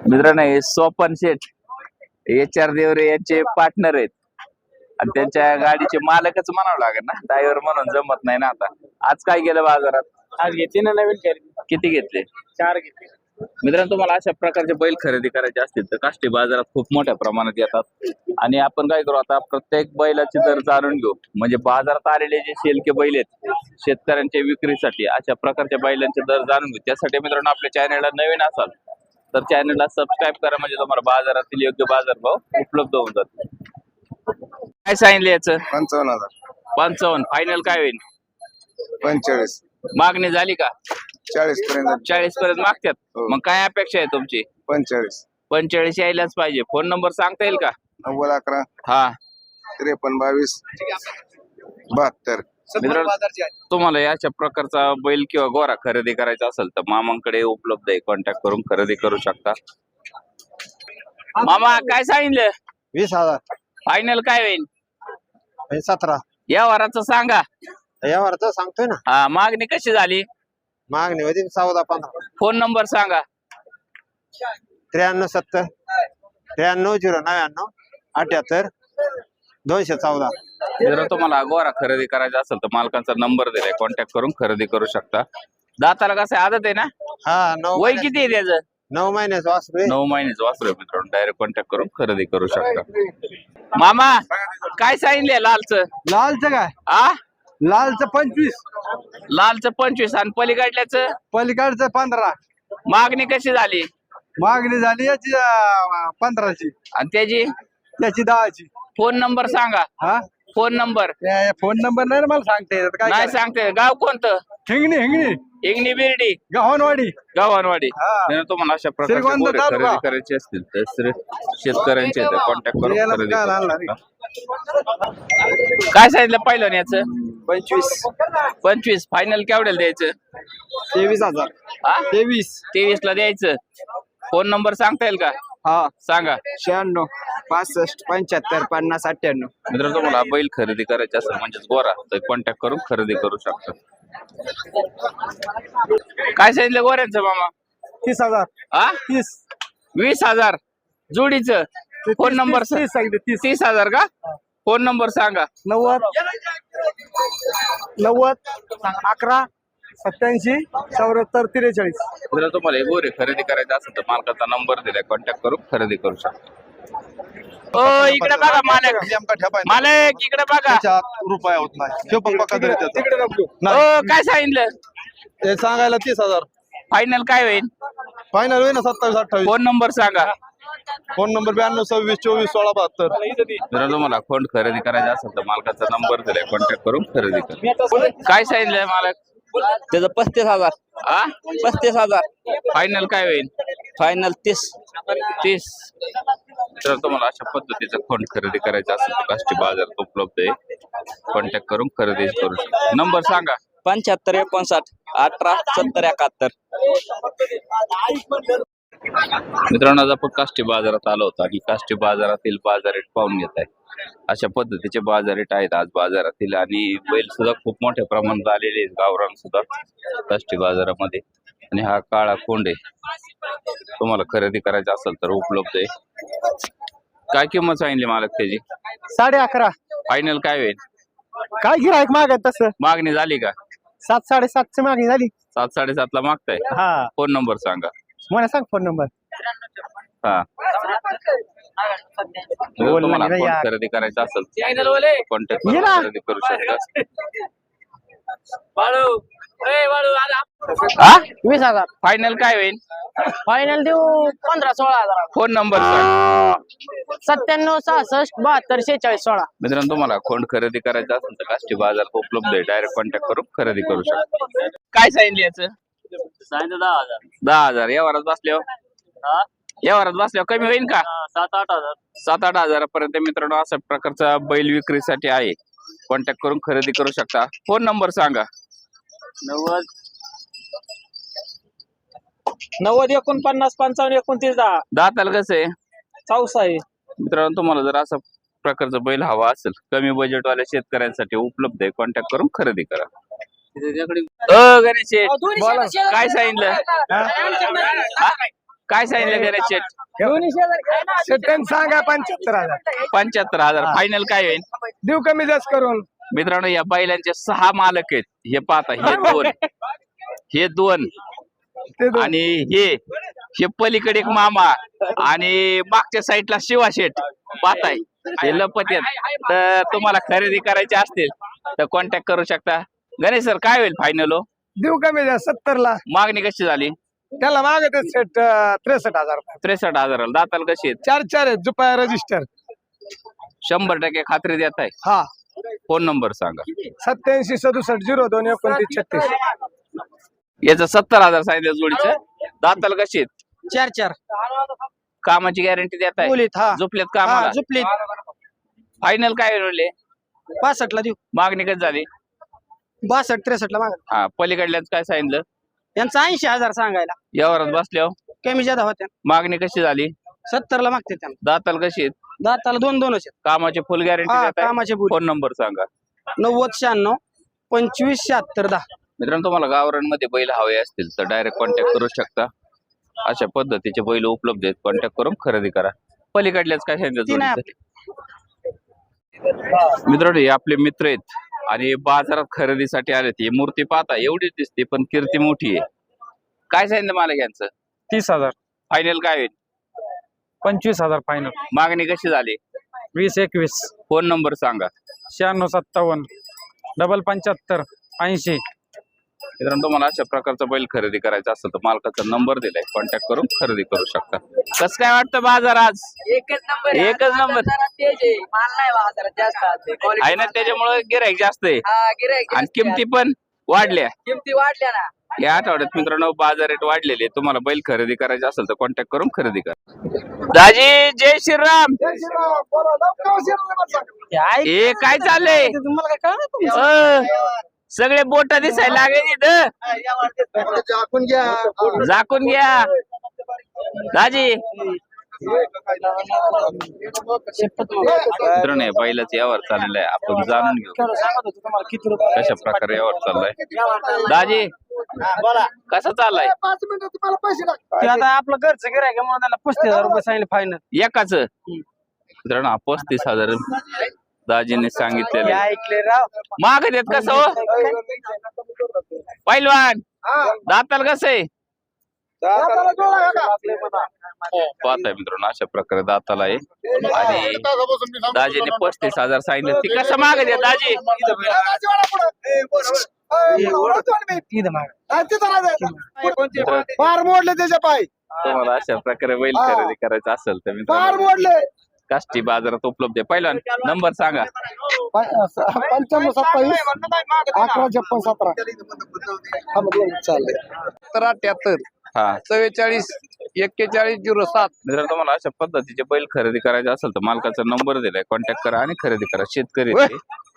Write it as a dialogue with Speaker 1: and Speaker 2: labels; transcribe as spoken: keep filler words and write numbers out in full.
Speaker 1: मित्रांनो हे Sopan Seth H R Deore यांचे पार्टनर आहेत आणि त्यांच्या गाडीचे मालकच म्हणावं लागेल ना, ड्रायव्हर म्हणून जमत नाही ना. आता आज काय गेलं बाजारात?
Speaker 2: आज घेतली ना नवीन खरेदी,
Speaker 1: किती घेतले?
Speaker 2: चार घेतले.
Speaker 1: मित्रांनो तुम्हाला अशा प्रकारचे बैल खरेदी करायचे असतील तर काष्टी बाजारात खूप मोठ्या प्रमाणात येतात आणि आपण काय करू आता प्रत्येक बैलाचे दर जाणून घेऊ. म्हणजे बाजारात आलेले जे शेलके बैल आहेत शेतकऱ्यांच्या विक्रीसाठी अशा प्रकारच्या बैलांचे दर जाणून घेऊ. त्यासाठी मित्रांनो आपल्या चॅनलला नवीन असाल तर चॅनलला सबस्क्राईब करा, म्हणजे तुम्हाला बाजारातील योग्य बाजार भाव उपलब्ध होऊन जातो. काय सांगितलं याचं?
Speaker 3: पंचावन्न हजार.
Speaker 1: पंचावन्न. फायनल काय होईल?
Speaker 3: पंचेचाळीस.
Speaker 1: मागणी झाली का?
Speaker 3: चाळीस पर्यंत.
Speaker 1: चाळीस पर्यंत मागतात.
Speaker 3: हो.
Speaker 1: मग काय अपेक्षा आहे तुमची?
Speaker 3: पंचेचाळीस.
Speaker 1: पंचेचाळीस यायलाच पाहिजे. फोन नंबर सांगता येईल का?
Speaker 3: नव्वद अकरा
Speaker 1: हा
Speaker 3: त्रेपन्न बावीस बहात्तर.
Speaker 1: मित्रांनो तुम्हाला याच्या प्रकारचा बैल किंवा गोरा खरेदी करायचा असेल तर मामांकडे उपलब्ध आहे, कॉन्टॅक्ट करून खरेदी करू शकता. मामा काय सांगितलं?
Speaker 2: वीस हजार.
Speaker 1: फायनल काय होईल?
Speaker 2: सतरा.
Speaker 1: या वराचं सांगा.
Speaker 2: यावर तर सांगतोय ना.
Speaker 1: हा मागणी कशी झाली?
Speaker 2: मागणी होती चौदा पंधरा.
Speaker 1: फोन नंबर सांगा.
Speaker 2: त्र्याण्णव सत्तर त्र्याण्णव झिरो नव्याण्णव अठ्याहत्तर दोनशे चौदा.
Speaker 1: जर तुम्हाला गोरा खरेदी करायचा असेल तर मालकांचा नंबर दिलाय, कॉन्टॅक्ट करून खरेदी करू शकता. दाताला कसं आदत आहे ना?
Speaker 2: हा नऊ
Speaker 1: वय किती आहे त्याचं?
Speaker 2: नऊ महिन्याचं वासरू आहे.
Speaker 1: नऊ महिन्याचं वासरू आहे मित्रांनो. डायरेक्ट कॉन्टॅक्ट करून खरेदी करू शकता. मामा काय सांगितलंय लालचं?
Speaker 2: लालचं काय?
Speaker 1: आ
Speaker 2: लालचं पंचवीस.
Speaker 1: लालचं पंचवीस आणि पलीकडल्याचं
Speaker 2: पलीकडचं पंधरा.
Speaker 1: मागणी कशी झाली?
Speaker 2: मागणी झाली याची अं, पंधराची.
Speaker 1: आणि त्याची?
Speaker 2: त्याची दहाची.
Speaker 1: फोन नंबर सांगा.
Speaker 2: हा
Speaker 1: फोन नंबर
Speaker 2: फोन नंबर नाही ना मला सांगता येत काय.
Speaker 1: नाही सांगते. गाव कोणतं?
Speaker 2: हिंगणी हिंगणी
Speaker 1: इंगणी बिर्डी
Speaker 2: गव्हाणवाडी.
Speaker 1: गव्हाणवाडी.
Speaker 2: हा.
Speaker 1: जर तुम्हाला अशा प्रकारचे
Speaker 2: श्रीगोंदा
Speaker 1: गोरे
Speaker 2: तालुका.
Speaker 1: खरेदी करायचे असतील तर श्री- शेतकऱ्यांचे कॉन्टॅक्ट करून
Speaker 2: याला
Speaker 1: खरेदी
Speaker 2: काय
Speaker 1: करू
Speaker 2: आणणार
Speaker 1: शकता. काय सांगितलं पहिलं ना याचं?
Speaker 2: पंचवीस.
Speaker 1: पंचवीस. फायनल केवढ्याला द्यायचं?
Speaker 2: तेवीस हजार.
Speaker 1: हा
Speaker 2: तेवीस.
Speaker 1: तेवीस ला द्यायचं. फोन नंबर सांगता येईल का?
Speaker 2: हा
Speaker 1: सांगा.
Speaker 2: शहाण्णव पासष्ट पंच्याहत्तर पन्नास अठ्ठ्याण्णव.
Speaker 1: मित्र तुम्हाला बैल खरेदी करायची असेल म्हणजेच गोरा तर कॉन्टॅक्ट करून खरेदी करू शकता. काय सांगितलं गोऱ्यांचं मामा?
Speaker 2: तीस हजार.
Speaker 1: हा
Speaker 2: तीस.
Speaker 1: वीस हजार जोडीचं. फोन नंबर
Speaker 2: तीस सांगितलं. तीस.
Speaker 1: तीस हजार का? फोन नंबर सांगा.
Speaker 2: नव्वद नव्वद अकरा सत्याऐंशी चौऱ्याहत्तर त्रेचाळीस.
Speaker 1: जर तुम्हाला हे गोरे खरेदी करायचं असेल तर मालकाचा नंबर दिलाय, कॉन्टॅक्ट करून खरेदी करू शकता. ओ इकडे बघा मालक. मालक इकडे बघा.
Speaker 3: रुपया होत नाही.
Speaker 1: ओ काय सांगितलं?
Speaker 3: सांगायला तीस हजार.
Speaker 1: फायनल काय होईल?
Speaker 3: फायनल होईल ना सत्तावीस अठ्ठावीस.
Speaker 1: फोन नंबर सांगा.
Speaker 3: फोन नंबर ब्याण्णव सव्वीस चोवीस सोळा बहात्तर.
Speaker 1: जर तुम्हाला खोंड खरेदी करायचा असेल तर मालकाचा नंबर दिलाय, कॉन्टॅक्ट करून खरेदी करा. काय सांगितलंय मालक?
Speaker 4: त्याचं पस्तीस हजार.
Speaker 1: आ
Speaker 4: पस्तीस हजार.
Speaker 1: फायनल काय होईल?
Speaker 4: फायनल तीस.
Speaker 1: तीस. तर तुम्हाला अशा पद्धतीचं खोंड खरेदी करायचं असेल तर काष्टी बाजारात उपलब्ध आहे, कॉन्टॅक्ट करून खरेदी करू शकता. नंबर सांगा.
Speaker 4: पंच्याहत्तर एकोणसाठ अठरा सत्तर एकाहत्तर.
Speaker 1: मित्रांनो आज आपण काष्टी बाजारात आलो होतो आणि काष्टी बाजारातील बाजार रेट पाहून घेत आहे. अशा पद्धतीचे बाजार रेट आहेत आज बाजारातील आणि बैल सुद्धा खूप मोठ्या प्रमाणात आलेले आहेत गावरान सुद्धा काष्टी बाजारामध्ये. आणि हा काळा कोंड आहे, तुम्हाला खरेदी करायचा असेल तर उपलब्ध आहे. काय किंमत सांगितली मालक त्याची?
Speaker 2: साडे अकरा.
Speaker 1: फायनल काय होईल?
Speaker 2: काय गिरायक मागत तसं?
Speaker 1: मागणी झाली का?
Speaker 2: सात साडेसातची मागणी झाली.
Speaker 1: सात साडेसात ला मागताय.
Speaker 2: हा
Speaker 1: फोन नंबर सांगा.
Speaker 2: मला सांग फोन नंबर.
Speaker 1: हा जर तुम्हाला फोन खरेदी करायचा असेल कॉन्टॅक्ट करून खरेदी करू शकता. हा
Speaker 5: वीस हजार.
Speaker 1: फायनल काय होईल?
Speaker 5: फायनल देऊ पंधरा सोळा हजार.
Speaker 1: फोन नंबर सांग.
Speaker 5: सत्त्याण्णव सहासष्ट बहात्तर शेहेचाळीस सोळा.
Speaker 1: मित्रांनो तुम्हाला खोंड खरेदी करायचं असेल तर काष्टी बाजार उपलब्ध आहे, डायरेक्ट कॉन्टॅक्ट करून खरेदी करू शकता. काय सांगितलं याचं?
Speaker 5: सांगितलं दहा हजार.
Speaker 1: दहा हजार. या वरात बसल्यावर या वरात बसल्यावर कमी होईल का?
Speaker 5: सात आठ हजार.
Speaker 1: सात आठ हजारापर्यंत मित्रांनो अशा प्रकारचा बैल विक्रीसाठी आहे, कॉन्टॅक्ट करून खरेदी करू शकता. फोन नंबर सांगा.
Speaker 5: नव्वद नव्वद एकोणपन्नास पंचावन्न एकोणतीस दहा.
Speaker 1: दाताला कसं आहे?
Speaker 5: चौसा आहे.
Speaker 1: मित्रांनो तुम्हाला जर असा प्रकारचा बैल हवा असेल कमी बजेटवाल्या शेतकऱ्यांसाठी उपलब्ध आहे, कॉन्टॅक्ट करून खरेदी करा. अ गणेश शेठ, काय सांगितलं? काय सांगितलं गणेश शेट
Speaker 6: सेकंड सांगा पंच्याहत्तर हजार
Speaker 1: पंच्याहत्तर हजार फायनल काय होईल
Speaker 6: देऊ कमी जास्त करून.
Speaker 1: मित्रांनो या बैलांचे सहा मालक आहेत हे पाहता हे दोन हे दोन
Speaker 6: ते दोन.
Speaker 1: आणि हे हे पलीकडे एक मामा आणि मागच्या साईडला शिवा शेठ पाहताय हे लपत आहेत. तर तुम्हाला खरेदी करायची असतील तर कॉन्टॅक्ट करू शकता. गणेश सर काय होईल फायनल हो
Speaker 6: देऊ कमी जास्त सत्तर ला.
Speaker 1: मागणी कशी झाली
Speaker 6: त्याला मागत सेट त्रेसष्ट हजार रुपये.
Speaker 1: त्रेसष्ट हजाराला दाताला कशी आहेत
Speaker 6: चार चार आहेत जुपाया रजिस्टर.
Speaker 1: शंभर टक्के खात्री देत आहे.
Speaker 6: हा
Speaker 1: फोन नंबर सांगा.
Speaker 6: सत्याऐंशी सदुसष्ट झिरो दोन एकोणतीस छत्तीस.
Speaker 1: याचं सत्तर हजार सांगितलं जोडीचं. दाताला कशी आहेत
Speaker 5: चार चार
Speaker 1: कामाची गॅरंटी देत आहे
Speaker 5: बोलीत हा
Speaker 1: झोपलेत कामाला.
Speaker 5: झुपलीत
Speaker 1: फायनल काय होईल
Speaker 5: पासष्ट ला देऊ.
Speaker 1: मागणी कशी झाली
Speaker 5: बासष्ट त्रेसष्ट ला माग.
Speaker 1: हा पलीकडल्याच काय सांगितलं
Speaker 5: यांचा ऐंशी हजार सांगायला
Speaker 1: यावरात बसल्यावर
Speaker 5: कमी जादा होत्या.
Speaker 1: मागणी कशी झाली
Speaker 5: सत्तर ला मागते त्यांना.
Speaker 1: दाताला कशी आहेत
Speaker 5: दाताला दोन दोनच आहेत.
Speaker 1: कामाची फुल गॅरंटी
Speaker 5: हा,
Speaker 1: देत आहे.
Speaker 5: कामाचे बोली.
Speaker 1: फोन नंबर सांगा.
Speaker 5: नव्वद शहाण्णव पंचवीस शहात्तर दहा.
Speaker 1: मित्रांनो तुम्हाला गावरांमध्ये बैल हवे असतील तर डायरेक्ट कॉन्टॅक्ट करू शकता. अशा पद्धतीचे बैल उपलब्ध आहेत. कॉन्टॅक्ट करून खरेदी करा. पलीकडल्याच काय
Speaker 5: ती नाही
Speaker 1: सांगितलं मित्रांनो हे आपले मित्र आहेत आणि बाजारात खरेदीसाठी आले. ही मूर्ती पाहता एवढीच दिसते पण कीर्ती मोठी आहे. काय सांगितलं मला यांचं
Speaker 5: तीस हजार
Speaker 1: फायनल काय होईल
Speaker 5: पंचवीस हजार फायनल.
Speaker 1: मागणी कशी झाली
Speaker 5: वीस एकवीस
Speaker 1: फोन नंबर सांगा.
Speaker 5: शहाण्णव सत्तावन्न डबल पंच्याहत्तर ऐंशी.
Speaker 1: मित्रांनो तुम्हाला अशा प्रकारचा बैल खरेदी करायचा असेल तर मालकाचा नंबर दिलाय कॉन्टॅक्ट करून खरेदी करू शकता. कसं काय वाटतं बाजार आज
Speaker 7: एकच नंबर आहे.
Speaker 1: एकच नंबर.
Speaker 7: जरा तेज आहे. माल नाही बाजारात जास्त आहे. Quality
Speaker 1: आहे ना त्याच्यामुळे गिराईक जास्त आहे
Speaker 7: हा, गिऱ्हाईक
Speaker 1: आणि
Speaker 7: जास्त आहे.
Speaker 1: किमती पण वाढल्या.
Speaker 7: किमती वाढल्या ना.
Speaker 1: या आठवड्यात मित्रांनो बाजार रेट वाढलेले. तुम्हाला बैल खरेदी करायचे असेल तर कॉन्टॅक्ट करून खरेदी करा. दाजी जय श्रीराम. हे काय चाललंय
Speaker 5: तुम्हाला काय कळलं?
Speaker 1: अ, सगळे बोट दिसायला लागले इथं. झाकून घ्या दाजी. मित्रांनो हे बैलाचं यावर चाललेलं आहे. आपण जाणून घेऊ
Speaker 5: सांगत होतो तुम्हाला किती रुपये.
Speaker 1: कशा प्रकारे यावर चाललाय. दाजी कसा चाललाय
Speaker 5: ते आता आपलं घरचं गिऱ्हाईक आहे म्हणून त्याला पस्तीस हजार रुपये सांगितले फायनल.
Speaker 1: एकाच मित्रांनो हा पस्तीस हजार दाजीने सांगितलेले.
Speaker 5: ऐकले राव.
Speaker 1: माग देत कसं हो पैलवान दाताल कसं आहे पाहताय मित्रांनो अशा प्रकारे दाताला आहे. आणि दाजीने पस्तीस हजार सांगितले. ती कसं माग द्या दाजी
Speaker 6: फार मोडले त्याच्या पाय.
Speaker 1: तुम्हाला अशा प्रकारे बैल खरेदी करायचं असेल तर
Speaker 6: फार
Speaker 1: मित्रांनो
Speaker 6: मोडले.
Speaker 1: काष्टी बाजारात उपलब्ध आहे. पहिलवान नंबर सांगा.
Speaker 6: पंच्याण्णव सत्तावीस अकरा छप्पन सतरा. चाललंय
Speaker 3: सत्तर अठ्याहत्तर
Speaker 1: हा
Speaker 3: चव्वेचाळीस एक्केचाळीस झिरो सात.
Speaker 1: मित्रांनो तुम्हाला अशा पद्धतीचे बैल खरेदी करायचे असेल तर मालकाचा नंबर दिलाय कॉन्टॅक्ट करा आणि खरेदी करा. शेतकरी आहेत ते.